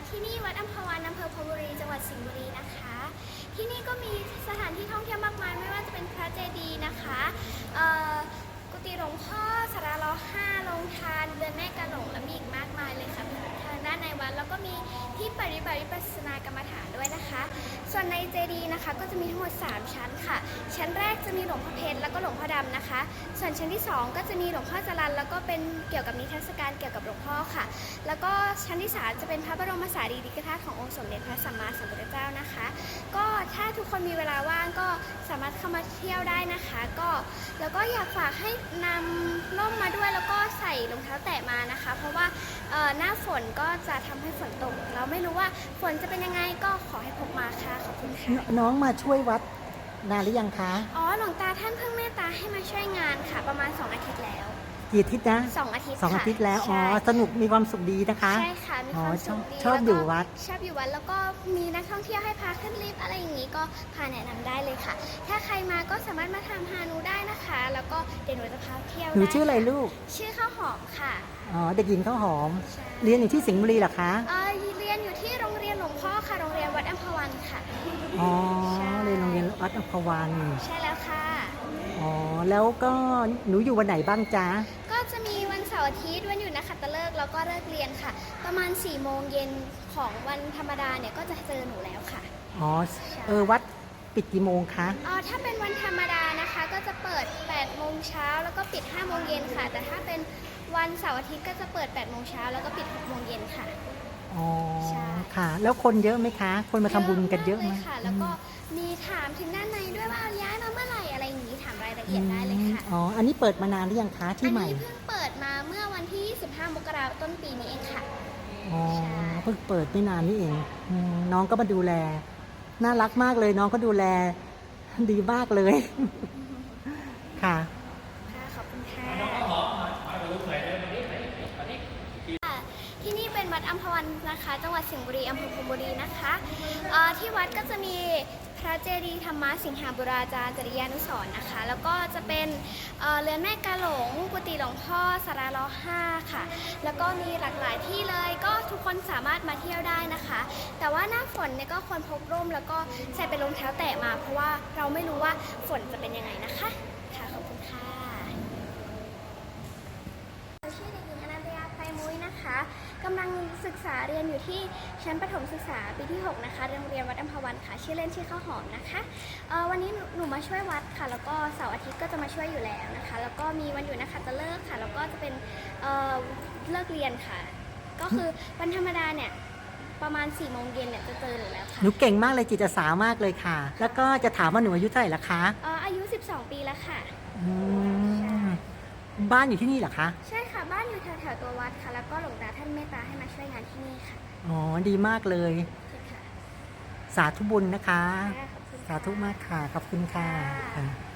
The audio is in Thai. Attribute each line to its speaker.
Speaker 1: ที่นี่วัดอัมพวันอำเภอพรหมบุรีจังหวัดสิงห์บุรีนะคะที่นี่ก็มีสถานที่ท่องเที่ยวมากมายไม่ว่าจะเป็นพระเจดีย์นะคะกุฏิหลวงพ่อสาราล้อ5โรงทานเรือนแม่กะหลงและมีอีกมากมายเลยค่ะทางด้านในวัดแล้วก็มีที่ปฏิบัติวิปัสสนากรรมฐานด้วยนะคะส่วนในเจดีย์นะคะก็จะมีทั้งหมด3ชั้นค่ะชั้นแรกจะมีหลวงพ่อเพชรแล้วก็หลวงพ่อดำนะคะส่วนชั้นที่2ก็จะมีหลวงพ่อจรัญแล้วก็เป็นเกี่ยวกับนิทรรศการเกี่ยวกับหลวงพ่อค่ะแล้วก็ชั้นที่3จะเป็นพระบรมสารีริกธาตุขององค์สมเด็จพระสัมมาสัมพุทธเจ้านะคะก็ถ้าทุกคนมีเวลาว่างก็สามารถเข้ามาเที่ยวได้นะคะแล้วก็อยากฝากให้นำร่มมาด้วยแล้วก็ใส่รองเท้าแตะมานะคะเพราะว่าหน้าฝนก็จะทำให้ฝนตกเราไม่รู้ว่าฝนจะเป็นยังไงก็ขอให้พกมาค่ะขอบคุณค่ะ
Speaker 2: น้องมาช่วยวัดนานหรือยังคะ
Speaker 1: หลวงตาท่านเพิ่งเมตตาให้มาช่วยงานค่ะประมาณ2 อาทิตย์แล้ว
Speaker 2: กี่อาทิตย์นะ
Speaker 1: 2 อาทิตย์
Speaker 2: 2 อาทิตย์แล้วสนุกมีความสุขดีนะคะ
Speaker 1: ใช่ค่ะมีความสุขดี
Speaker 2: ชอบอยู่วัด
Speaker 1: แล้วก็มีนักท่องเที่ยวให้พาขึ้นลิฟต์อะไรอย่างนี้ก็พาแนะนำได้เลยค่ะถ้าใครมาก็สามารถมาทำฮานูได้นะคะแล้วก็เดี๋ยวหนูจะพาเที่ยว
Speaker 2: หนูชื่ออะไรลูก
Speaker 1: ชื่อข้าวหอมค่ะ
Speaker 2: เด็กหญิงข้าวหอมเรียนอยู่ที่สิงห์บุรีเหรอคะ
Speaker 1: เรียนอยู่ที่โรงเรียนหลวงพ่อค่ะโรงเรียนวัดอัมพวันค่ะ
Speaker 2: เรียนโรงเรียนวัดอัมพวัน
Speaker 1: ใช่แล้วค่ะ
Speaker 2: แล้วก็หนูอยู่วันไหนบ้างจ๊ะ
Speaker 1: ก็จะมีวันเสาร์อาทิตย์วันหยุดนักขัตฤกษ์แล้วก็เลิกเรียนค่ะประมาณ4 โมงเย็นของวันธรรมดาเนี่ยก็จะเจอหนูแล้วค่ะ
Speaker 2: วัดปิดกี่โมงคะ
Speaker 1: ถ้าเป็นวันธรรมดานะคะก็จะเปิด8 โมงเช้าแล้วก็ปิด5 โมงเย็นค่ะแต่ถ้าเป็นวันเสาร์อาทิตย์ก็จะเปิด8 โมงเช้าแล้วก็ปิด6 โมงเย็นค่ะ
Speaker 2: ใช่ค่ะแล้วคนเยอะไหมคะคนมาทำบุญกันเยอะไหม
Speaker 1: ค่ะแล้วก็มีถามถึงด้านในด้วยว่าย้ายมาเมื่อไหร่อะไรอย่างนี้ถามรายละเอียดได้เลยค่ะ
Speaker 2: อันนี้เปิดมานานหรือยังคะที่ใหม่
Speaker 1: อันนี้เพิ่งเปิดมาเมื่อวันที่25 มกราคมต้นปีนี้เองค่ะ
Speaker 2: เพิ่งเปิดไม่นานนี่เองน้องก็มาดูแลน่ารักมากเลยน้องก็ดูแลดีมากเลยค่ะ
Speaker 1: ขอบคุณค่ะที่นี่เป็นวัดอัมพวันนะคะจังหวัดสิงห์บุรีอำเภอพรหมบุรีนะคะที่วัดก็จะมีพระเจดีย์ธรรมสิงหาบุราจารย์จริยานุสรณ์นะคะแล้วก็จะเป็นเรือนแม่กาหลงกุฏิหลวงพ่อสาราล้อ5ค่ะแล้วก็มีหลากหลายที่เลยก็ทุกคนสามารถมาเที่ยวได้นะคะแต่ว่าหน้าฝนเนี่ยก็ควรพกร่มแล้วก็ใส่เป็นรองเท้าแตะมาเพราะว่าเราไม่รู้ว่าฝนจะเป็นยังไงนะคะค่ะขอบคุณค่ะชื่อเด็กหญิงอนันตยาไพมุ้ยนะคะกำลังศึกษาเรียนอยู่ที่ชั้นประถมศึกษาปีที่6นะคะโรงเรียนวัดอัมพวันค่ะชื่อเล่นชื่อข้าวหอมนะคะวันนี้หนูมาช่วยวัดค่ะแล้วก็เสาร์อาทิตย์ก็จะมาช่วยอยู่แล้วนะคะแล้วก็มีวันหยุดนักขัตฤกษ์ค่ะแล้วก็จะเป็นเลิกเรียนค่ะก็คือวันธรรมดาเนี่ยประมาณ4 โมงเย็นเนี่ยจะเจอหนูแล้วค่ะ
Speaker 2: หนูเก่งมากเลยจิตอาสามากเลยค่ะแล้วก็จะถามว่าหนูอายุเท่าไหร่ละคะ
Speaker 1: อายุ12 ปีแล้วค่ะ
Speaker 2: บ้านอยู่ที่นี่เหรอคะ
Speaker 1: ใช่ค่ะบ้านอยู่แถวตัววัดค่ะแล้วก็หลวงตาท่านเมตตาให้มาช่วยงานที่นี่ค่ะ
Speaker 2: ดีมากเลยสาธุบุญนะคะ
Speaker 1: ขอบคุณ
Speaker 2: สาธุมากค่ะขอบคุณค่ะ